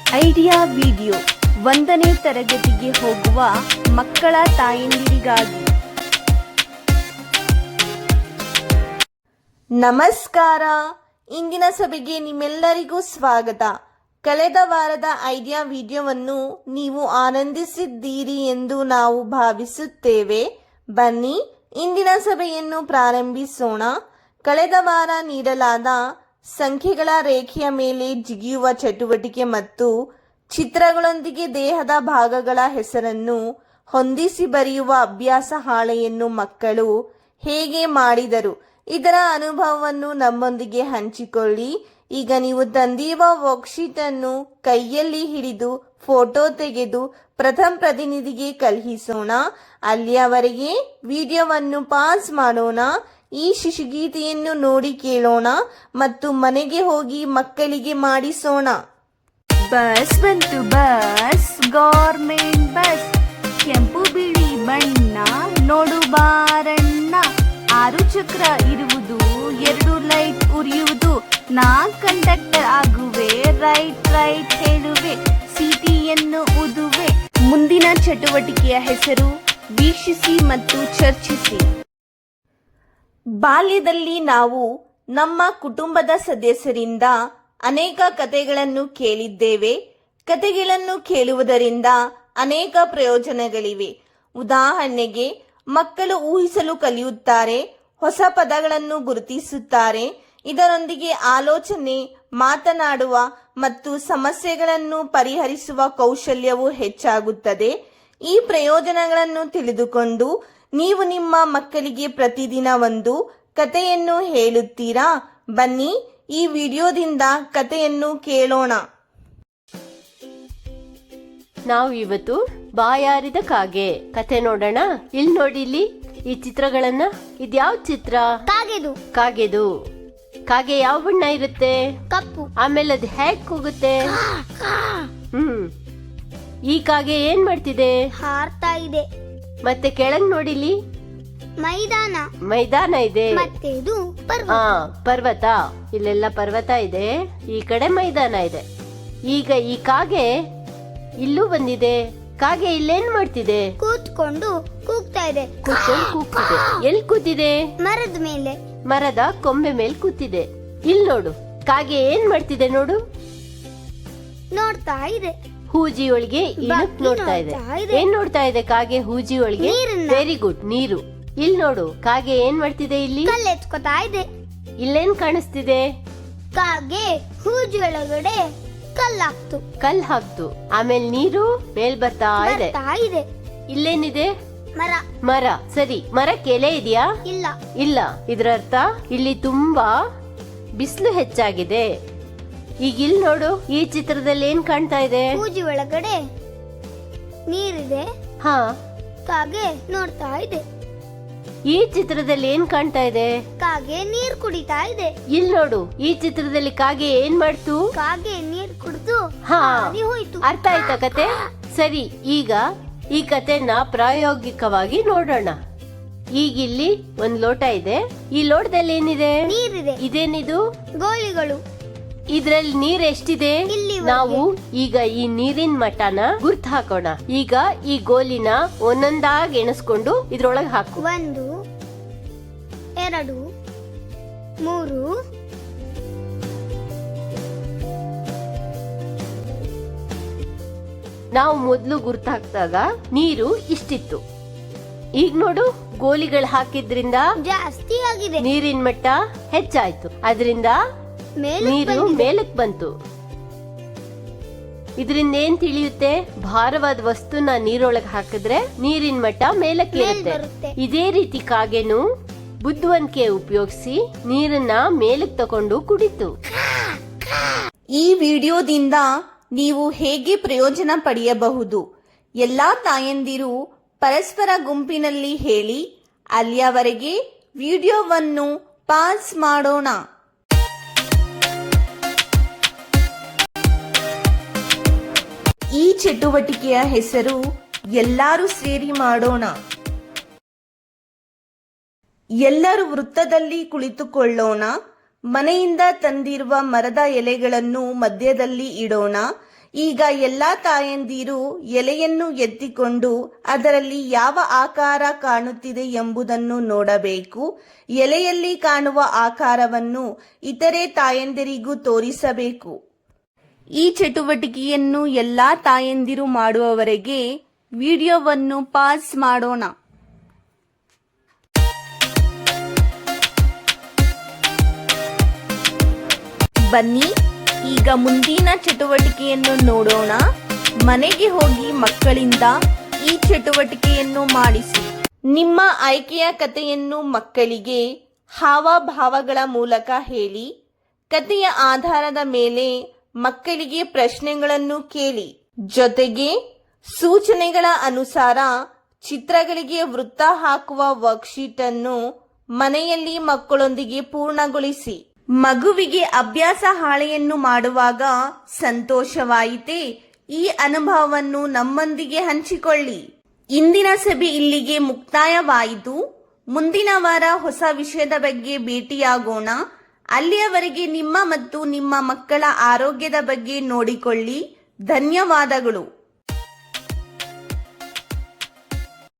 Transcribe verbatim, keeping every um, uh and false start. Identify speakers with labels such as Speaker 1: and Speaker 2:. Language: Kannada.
Speaker 1: ಐಡಿಯಾ ವಿಡಿಯೋ ಒಂದನೇ ತರಗತಿಗೆ ಹೋಗುವ ಮಕ್ಕಳ ತಾಯಂದಿರಿಗಾಗಿ. ನಮಸ್ಕಾರ. ಇಂದಿನ ಸಭೆಗೆ ನಿಮ್ಮೆಲ್ಲರಿಗೂ ಸ್ವಾಗತ. ಕಳೆದ ವಾರದ ಐಡಿಯಾ ವಿಡಿಯೋವನ್ನು ನೀವು ಆನಂದಿಸಿದ್ದೀರಿ ಎಂದು ನಾವು ಭಾವಿಸುತ್ತೇವೆ. ಬನ್ನಿ ಇಂದಿನ ಸಭೆಯನ್ನು ಪ್ರಾರಂಭಿಸೋಣ. ಕಳೆದ ವಾರ ನೀಡಲಾದ ಸಂಖ್ಯೆಗಳ ರೇಖೆಯ ಮೇಲೆ ಜಿಗಿಯುವ ಚಟುವಟಿಕೆ ಮತ್ತು ಚಿತ್ರಗಳೊಂದಿಗೆ ದೇಹದ ಭಾಗಗಳ ಹೆಸರನ್ನು ಹೊಂದಿಸಿ ಬರೆಯುವ ಅಭ್ಯಾಸ ಹಾಳೆಯನ್ನು ಮಕ್ಕಳು ಹೇಗೆ ಮಾಡಿದರು, ಇದರ ಅನುಭವವನ್ನು ನಮ್ಮೊಂದಿಗೆ ಹಂಚಿಕೊಳ್ಳಿ. ಈಗ ನೀವು ತಂದಿರುವ ವರ್ಕ್ಶೀಟ್ ಅನ್ನು ಕೈಯಲ್ಲಿ ಹಿಡಿದು ಫೋಟೋ ತೆಗೆದು ಪ್ರಥಮ ಪ್ರತಿನಿಧಿಗೆ ಕಳುಹಿಸೋಣ. ಅಲ್ಲಿಯವರೆಗೆ ವಿಡಿಯೋವನ್ನು ಪಾಸ್ ಮಾಡೋಣ. ಈ ಶಿಶುಗೀತೆಯನ್ನು ನೋಡಿ ಕೇಳೋಣ ಮತ್ತು ಮನೆಗೆ ಹೋಗಿ ಮಕ್ಕಳಿಗೆ ಮಾಡಿಸೋಣ. ಬಸ್ ಬಂತು, ಬಸ್ ಗೌರ್ಮೆಂಟ್ ಬಸ್, ಕೆಂಪು ಬಿಳಿ ಬಣ್ಣ ನೋಡು ಬಾರಣ್ಣ. ಆರು ಚಕ್ರ ಇರುವುದು, ಎರಡು ಲೈಟ್ ಉರಿಯುವುದು, ನಾ ಕಂಡಕ್ಟರ್ ಆಗುವೆ, ರೈಟ್ ರೈಟ್ ಹೇಳುವೆ, ಸಿಟಿಯನ್ನು ಊದುವೆ. ಮುಂದಿನ ಚಟುವಟಿಕೆಯ ಹೆಸರು ವೀಕ್ಷಿಸಿ ಮತ್ತು ಚರ್ಚಿಸಿ. ಬಾಲ್ಯದಲ್ಲಿ ನಾವು ನಮ್ಮ ಕುಟುಂಬದ ಸದಸ್ಯರಿಂದ ಅನೇಕ ಕಥೆಗಳನ್ನು ಕೇಳಿದ್ದೇವೆ. ಕಥೆಗಳನ್ನು ಕೇಳುವುದರಿಂದ ಅನೇಕ ಪ್ರಯೋಜನಗಳಿವೆ. ಉದಾಹರಣೆಗೆ, ಮಕ್ಕಳು ಊಹಿಸಲು ಕಲಿಯುತ್ತಾರೆ, ಹೊಸ ಪದಗಳನ್ನು ಗುರುತಿಸುತ್ತಾರೆ. ಇದರೊಂದಿಗೆ ಆಲೋಚನೆ, ಮಾತನಾಡುವ ಮತ್ತು ಸಮಸ್ಯೆಗಳನ್ನು ಪರಿಹರಿಸುವ ಕೌಶಲ್ಯವು ಹೆಚ್ಚಾಗುತ್ತದೆ. ಈ ಪ್ರಯೋಜನಗಳನ್ನು ತಿಳಿದುಕೊಂಡು ನೀವು ನಿಮ್ಮ ಮಕ್ಕಳಿಗೆ ಪ್ರತಿದಿನ ಒಂದು ಕಥೆಯನ್ನು ಹೇಳುತ್ತೀರಾ? ಬನ್ನಿ ಈ ವಿಡಿಯೋದಿಂದ ಕಥೆಯನ್ನು ಕೇಳೋಣ.
Speaker 2: ನಾವು ಇವತ್ತು ಬಾಯಾರಿದ ಕಾಗೆ ಕಥೆ ನೋಡೋಣ. ಇಲ್ಲಿ ನೋಡಿ, ಇಲ್ಲಿ ಈ ಚಿತ್ರಗಳನ್ನ, ಇದ್ಯಾವ ಚಿತ್ರ?
Speaker 3: ಕಾಗೆದು.
Speaker 2: ಕಾಗೆದು. ಕಾಗೆ ಯಾವ ಬಣ್ಣ ಇರುತ್ತೆ?
Speaker 3: ಕಪ್ಪು.
Speaker 2: ಆಮೇಲೆ ಅದು ಹೇಗ್ ಕೂಗುತ್ತೆ? ಹ್ಮ್ ಈ ಕಾಗೆ ಏನ್ ಮಾಡ್ತಿದೆ?
Speaker 3: ಹಾರ್ತಾ ಇದೆ.
Speaker 2: ಮತ್ತೆ ಕೆಳಗ್ ನೋಡಿಲಿ,
Speaker 3: ಮೈದಾನ.
Speaker 2: ಮೈದಾನ ಇದೆ.
Speaker 3: ಮತ್ತೆ ಇದು ಪರ್ವತ.
Speaker 2: ಹಾ, ಪರ್ವತ. ಇಲ್ಲೆಲ್ಲ ಪರ್ವತ ಇದೆ, ಈ ಕಡೆ ಮೈದಾನ ಇದೆ. ಈಗ ಈ ಕಾಗೆ ಇಲ್ಲೂ ಬಂದಿದೆ. ಕಾಗೆ ಇಲ್ಲೇನ್ ಮಾಡ್ತಿದೆ?
Speaker 3: ಕೂತ್ಕೊಂಡು ಕೂಗ್ತಾ ಇದೆ.
Speaker 2: ಕೂತ್ಕೊಂಡು ಕೂಗ್ತಿದೆ. ಎಲ್ಲಿ ಕೂತಿದೆ?
Speaker 3: ಮರದ ಮೇಲೆ.
Speaker 2: ಮರದ ಕೊಂಬೆ ಮೇಲೆ ಕೂತಿದೆ. ಇಲ್ ನೋಡು, ಕಾಗೆ ಏನ್ ಮಾಡ್ತಿದೆ ನೋಡು.
Speaker 3: ನೋಡ್ತಾ ಇದೆ.
Speaker 2: ಹೂಜಿ ಒಳಗೆ ಇಣಕ್ ನೋಡ್ತಾ ಇದೆ. ಏನ್ ನೋಡ್ತಾ ಇದೆ ಕಾಗೆ ಹೂಜಿ ಒಳಗೆ? ವೆರಿ ಗುಡ್, ನೀರು. ಇಲ್ ನೋಡು, ಕಾಗೆ ಏನ್ ಮಾಡ್ತಿದೆ? ಇಲ್ಲಿ
Speaker 3: ಕಲ್ಲೆತ್ಕೋತಾ ಇದೆ.
Speaker 2: ಇಲ್ಲೇನ್ ಕಾಣಿಸ್ತಿದೆ?
Speaker 3: ಕಾಗೆ ಹೂಜಿ ಒಳಗಡೆ ಕಲ್ಲಾಕ್ತು.
Speaker 2: ಕಲ್ ಹಾಕ್ತು. ಆಮೇಲೆ ನೀರು ಮೇಲ್ ಬರ್ತಾ ಇದೆ.
Speaker 3: ಬರ್ತಾ ಇದೆ.
Speaker 2: ಇಲ್ಲೇನಿದೆ?
Speaker 3: ಮರ.
Speaker 2: ಮರ. ಸರಿ, ಮರಕ್ಕೆ ಎಲೆ ಇದೆಯಾ?
Speaker 3: ಇಲ್ಲ.
Speaker 2: ಇಲ್ಲ. ಇದ್ರ ಅರ್ಥ ಇಲ್ಲಿ ತುಂಬಾ ಬಿಸಿಲು ಹೆಚ್ಚಾಗಿದೆ. ಈಗ ಇಲ್ಲಿ ನೋಡು, ಈ ಚಿತ್ರದಲ್ಲಿ ಏನ್ ಕಾಣ್ತಾ ಇದೆ?
Speaker 3: ಹೂಜಿ ಒಳಗಡೆ ನೀರಿದೆ.
Speaker 2: ಹಾ,
Speaker 3: ಕಾಗೆ ನೋಡ್ತಾ ಇದೆ.
Speaker 2: ಈ ಚಿತ್ರದಲ್ಲಿ ಏನ್ ಕಾಣ್ತಾ ಇದೆ?
Speaker 3: ಕಾಗೆ ನೀರ್ ಕುಡಿತಾ ಇದೆ.
Speaker 2: ಇಲ್ಲಿ ನೋಡು, ಈ ಚಿತ್ರದಲ್ಲಿ ಕಾಗೆ ಏನ್ ಮಾಡ್ತು?
Speaker 3: ಕಾಗೆ ನೀರ್ ಕುಡಿದು
Speaker 2: ಹಾ,
Speaker 3: ಹಾರಿ ಹೋಯ್ತು.
Speaker 2: ಅರ್ಥ ಆಯ್ತಾ ಕತೆ? ಸರಿ, ಈಗ ಈ ಕತೆನ ಪ್ರಾಯೋಗಿಕವಾಗಿ ನೋಡೋಣ. ಈಗ ಇಲ್ಲಿ ಒಂದ್ ಲೋಟ ಇದೆ. ಈ ಲೋಟದಲ್ಲಿ ಏನಿದೆ?
Speaker 3: ನೀರಿದೆ.
Speaker 2: ಇದೇನಿದು?
Speaker 3: ಗೋಲಿಗಳು.
Speaker 2: ಇದ್ರಲ್ಲಿ ನೀರ್ ಎಷ್ಟಿದೆ? ನಾವು ಈಗ ಈ ನೀರಿನ ಮಟ್ಟನ ಗುರ್ತು ಹಾಕೋಣ. ಈಗ ಈ ಗೋಲಿನ ಒಂದೊಂದಾಗಿ ಎಣಿಸ್ಕೊಂಡು ಇದ್ರೊಳಗೆ ಹಾಕು.
Speaker 3: ಒಂದು, ಎರಡು, ಮೂರು,
Speaker 2: ನಾವು ಮೊದ್ಲು ಗುರ್ತು ಹಾಕಿದಾಗ ನೀರು ಇಷ್ಟಿತ್ತು. ಈಗ ನೋಡು, ಗೋಲಿಗಳು ಹಾಕಿದ್ರಿಂದ
Speaker 3: ಜಾಸ್ತಿ ಆಗಿದೆ.
Speaker 2: ನೀರಿನ ಮಟ್ಟ ಹೆಚ್ಚಾಯ್ತು. ಅದರಿಂದ ನೀರು ಮೇಲಕ್ ಬಂತು. ಇದರಿಂದ ಏನ್ ತಿಳಿಯುತ್ತೆ? ಭಾರವಾದ ವಸ್ತುನ ನೀರೊಳಗೆ ಹಾಕಿದ್ರೆ ನೀರಿನ ಮಟ್ಟ ಮೇಲಕ್ಕೆ ಇರುತ್ತೆ. ಇದೇ ರೀತಿ ಕಾಗೆನು ಬುದ್ಧಿವಂತಿಕೆ ಉಪಯೋಗಿಸಿ ನೀರನ್ನ ಮೇಲಕ್ಕೆ ತಕೊಂಡು ಕುಡಿತು.
Speaker 1: ಈ ವಿಡಿಯೋದಿಂದ ನೀವು ಹೇಗೆ ಪ್ರಯೋಜನ ಪಡೆಯಬಹುದು? ಎಲ್ಲಾ ತಾಯಂದಿರು ಪರಸ್ಪರ ಗುಂಪಿನಲ್ಲಿ ಹೇಳಿ. ಅಲ್ಲಿಯವರೆಗೆ ವಿಡಿಯೋವನ್ನು ಪಾಸ್ ಮಾಡೋಣ. ಈ ಚಟುವಟಿಕೆಯ ಹೆಸರು ಎಲ್ಲರೂ ಸೇರಿ ಮಾಡೋಣ. ಎಲ್ಲರೂ ವೃತ್ತದಲ್ಲಿ ಕುಳಿತುಕೊಳ್ಳೋಣ. ಮನೆಯಿಂದ ತಂದಿರುವ ಮರದ ಎಲೆಗಳನ್ನು ಮಧ್ಯದಲ್ಲಿ ಇಡೋಣ. ಈಗ ಎಲ್ಲಾ ತಾಯಂದಿರು ಎಲೆಯನ್ನು ಎತ್ತಿಕೊಂಡು ಅದರಲ್ಲಿ ಯಾವ ಆಕಾರ ಕಾಣುತ್ತಿದೆ ಎಂಬುದನ್ನು ನೋಡಬೇಕು. ಎಲೆಯಲ್ಲಿ ಕಾಣುವ ಆಕಾರವನ್ನು ಇತರೆ ತಾಯಂದಿರಿಗೂ ತೋರಿಸಬೇಕು. ಈ ಚಟುವಟಿಕೆಯನ್ನು ಎಲ್ಲಾ ತಾಯಂದಿರು ಮಾಡುವವರೆಗೆ ವಿಡಿಯೋವನ್ನು ಪಾಸ್ ಮಾಡೋಣ. ಬನ್ನಿ ಈಗ ಮುಂದಿನ ಚಟುವಟಿಕೆಯನ್ನು ನೋಡೋಣ. ಮನೆಗೆ ಹೋಗಿ ಮಕ್ಕಳಿಂದ ಈ ಚಟುವಟಿಕೆಯನ್ನು ಮಾಡಿಸಿ. ನಿಮ್ಮ ಆಯ್ಕೆಯ ಕಥೆಯನ್ನು ಮಕ್ಕಳಿಗೆ ಹಾವಭಾವಗಳ ಮೂಲಕ ಹೇಳಿ. ಕಥೆಯ ಆಧಾರದ ಮೇಲೆ ಮಕ್ಕಳಿಗೆ ಪ್ರಶ್ನೆಗಳನ್ನು ಕೇಳಿ. ಜೊತೆಗೆ ಸೂಚನೆಗಳ ಅನುಸಾರ ಚಿತ್ರಗಳಿಗೆ ವೃತ್ತ ಹಾಕುವ ವರ್ಕ್ಶೀಟ್ ಅನ್ನು ಮನೆಯಲ್ಲಿ ಮಕ್ಕಳೊಂದಿಗೆ ಪೂರ್ಣಗೊಳಿಸಿ. ಮಗುವಿಗೆ ಅಭ್ಯಾಸ ಹಾಳೆಯನ್ನು ಮಾಡುವಾಗ ಸಂತೋಷವಾಯಿತೇ? ಈ ಅನುಭವವನ್ನು ನಮ್ಮೊಂದಿಗೆ ಹಂಚಿಕೊಳ್ಳಿ. ಇಂದಿನ ಸಭೆ ಇಲ್ಲಿಗೆ ಮುಕ್ತಾಯವಾಯಿತು. ಮುಂದಿನ ವಾರ ಹೊಸ ವಿಷಯದ ಬಗ್ಗೆ ಭೇಟಿಯಾಗೋಣ. ಅಲ್ಲಿಯವರೆಗೆ ನಿಮ್ಮ ಮತ್ತು ನಿಮ್ಮ ಮಕ್ಕಳ ಆರೋಗ್ಯದ ಬಗ್ಗೆ ನೋಡಿಕೊಳ್ಳಿ. ಧನ್ಯವಾದಗಳು.